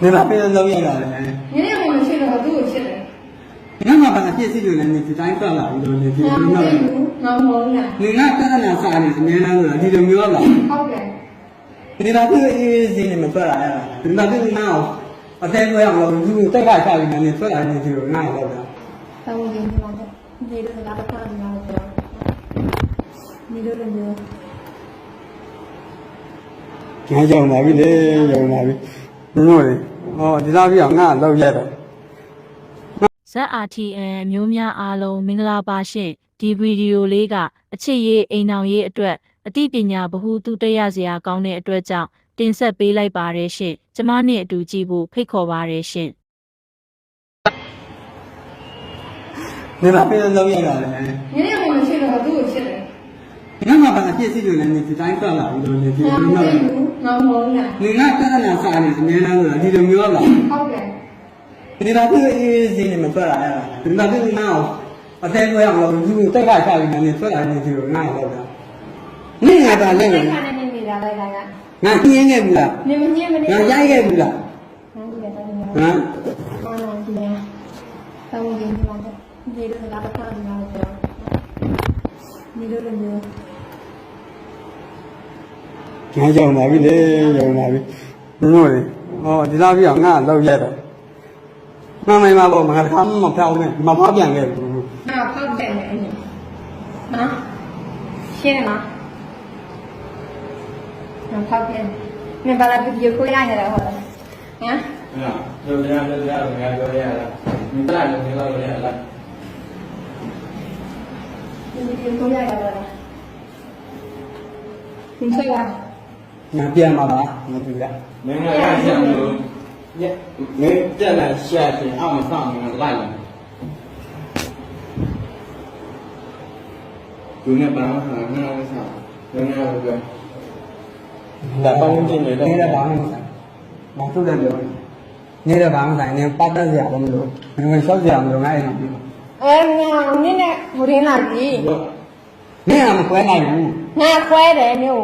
你那边人都要了嘞。 你那我们去了，都有去了。 你看嘛，反正电视就能你去单算了，你都你去那个。 我没了。 你那刚才那啥呢？你那个你就没有了。 好的。 你那这个一你们出来了，你那这个那我再这样了，如果再干下去呢，你出来你就那了的。 但我今天嘛，你这个拿不上，你拿不上。你这个牛。 ငါကြောင်ပါပြီလေကြောင်ပါပြီဘုံတို့လေဟောဒီသားပြီးတော့ငါလောက်ရက်တယ် ZRTN မျိုးများအားလုံးမင်္ဂလာပါရှင်ဒီဗီဒီယိုလေးကအချစ်ရေးအိမ်အောင်ရေးအတွက်အသိပညာဗဟုသုတရစရာကောင်းတဲ့အတွက်ကြောင့်တင်ဆက်ပေးလိုက်ပါတယ်ရှင်ကျမနဲ့အတူကြည့်ဖို့ဖိတ်ခေါ်ပါတယ်ရှင်နေလာပြန်လောက်ရက်တာလေ你那我们去了，都有去了。 ငါမှဘာပြည့်စည်လို့လည်းဒီတိုင်းဆက်လာပြီးတော့နေဒီလိုမျိုး我没了。 你那刚才那啥呢？အများလားဆိုတာဒီလိုမျိုးလား好的。 ဒီသားပြီးအေးစီနေမထွက်လာရတာဒီသားပြီးနောက်အသေးကိုရအောင်လို့သူတက်ကချပြီးနေထွက်လာနေဒီလိုငါလောက်တာနေငါပါလဲ你看那你来来来来。 ငါပြင်းခဲ့ဘူးလား你们你们。 ငါရိုက်ခဲ့ဘူးလားဟမ် တောင်းရင်ဒီမှာဒီလိုလာတော့ဒီမှာတော့ဒီလိုလိုမျိုးငါကြောင်ပါပြီလေကြောင်ပါပြီဘုံတို့လေဟောဒီသားပြီးတော့ငါလောက်ရက်တယ်မမိုင်မပေါ့ငါခါမဖောက်နဲ့မဖောက်ပြန်ခဲ့ဘူးဟာဖောက်တယ်အဲ့ဒီနော်ရှင်းလားဟာဖောက်တယ်မင်းဘာလာဗီဒီယိုကိုရရတယ်ဟုတ်လားဟမ် Rồi ra mình lại được cái rồi lại ဗီဒီယိုကိုရရတယ်လားသင်ဆွဲလားငါပြန်ပါလားမပြူလား mình lại ra xem rồi mình chân là xe thì ao mà xong mình lại rồi cứ nghe báo là nghe cái sao nghe rồi လာပေါင်းချင်းနေတော့နေတာဘာမှမဆိုင်ဘာသူ့တယ်ပြောနေတာဘာမှမဆိုင်နေပတ်သက်စရာမလိုဘူးငွေလျှောက်စရာမလိုငါအိမ်မှာပြီးအဲငါနင်းနဲ့ဟိုရင်းလာပြီနင်ကမခွဲနိုင်ဘူးငါခွဲတယ်မျိုး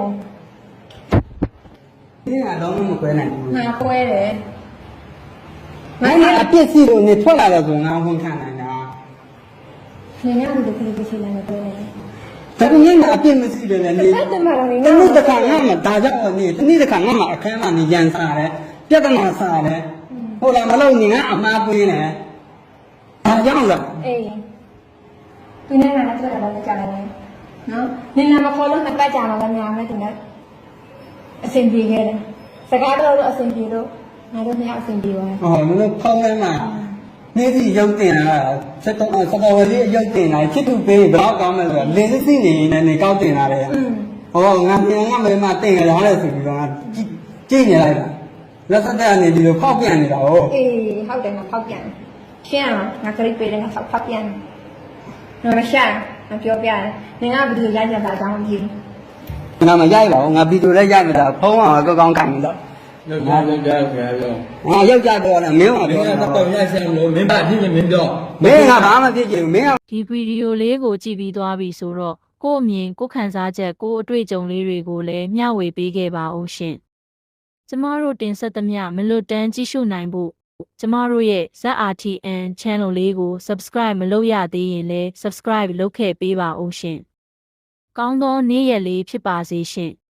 နင်ကတော့မခွဲနိုင်ဘူးငါခွဲတယ်ငါအပြစ်စီလို့နေထွက်လာတော့ဆိုငါဝန်ခံနိုင်တာနင်ကဘယ်လိုဖြစ်ဖြစ်လာနေတယ်ဒါပေမဲ့အပြစ်မရှိတယ်လေနေတနေ့တစ်ခါငါမှဒါကြောင့်နေတနေ့တစ်ခါငါမှအခန်းမှာနေရန်စားတယ်ပြဿနာစားတယ်ဟုတ်လားမလို့နေငါအမှားပွင်းတယ်ဒါကြောင့်လားအေးသူနဲ့ငါနဲ့တွေ့တာလည်းကြားတယ်နော်နင်နာမခေါ်လို့နှစ်ပတ်ကြာမှလည်းများမယ်သူနဲ့အဆင်ပြေခဲ့တယ်စကားတော့အဆင်ပြေလို့ငါတို့နှစ်ယောက်အဆင်ပြေသွားတယ်ဟောမလို့ဖောင်းလဲမှာနေစီရုပ်တင်တာစတော်ဝလေးရုပ်တင်တာချစ်သူပေးဘယ်တော့ကောင်းမလဲဆိုတော့လင်းစစ်နေနေနေကောက်တင်တာလေဟောငါပြန်ငါမေမတင်ကြလားဆိုပြီးတော့ငါကြည့်နေလိုက်တာလက်သက်တဲ့အနေဒီလိုဖောက်ပြန်နေတာဟုတ်အေးဟုတ်တယ်ငါဖောက်ပြန်ရှင်းအောင်ငါကလေးပေးတယ်ငါဖောက်ပြန်နော်မရှာငါပြောပြတယ်နင်ကဘယ်လိုရိုက်ကြတာအကြောင်းမဖြစ်ငါမရိုက်ပါဘူးငါဗီဒီယိုလည်းရိုက်နေတာဖုန်းကကောင်းကောင်းခိုင်နေတော့ rồi ra rồi ra rồi ငါယောက်ျားတော့လည်းမင်းကပြော mình တာ là tao ra xem rồi mình bạn đi mình cho မင်းကဘာမှဖြစ်ချင်ဘူးမင်းကဒီဗီဒီယိုလေးကိုကြည့်ပြီးသွားပြီဆိုတော့ကို့အမြင်ကို့ခံစားချက်ကို့အတွေ့အကြုံလေးတွေကိုလည်းမျှဝေပေးခဲ့ပါဦးရှင်ကျမတို့တင်ဆက်သမျှမလွတ်တမ်းကြည့်ရှုနိုင်ဖို့ကျမတို့ရဲ့ ZRTN channel လေးကို subscribe မလုပ်ရသေးရင်လည်း subscribe လုပ်ခဲ့ပေးပါဦးရှင်ကောင်းသောနေ့ရက်လေးဖြစ်ပါစေရှင်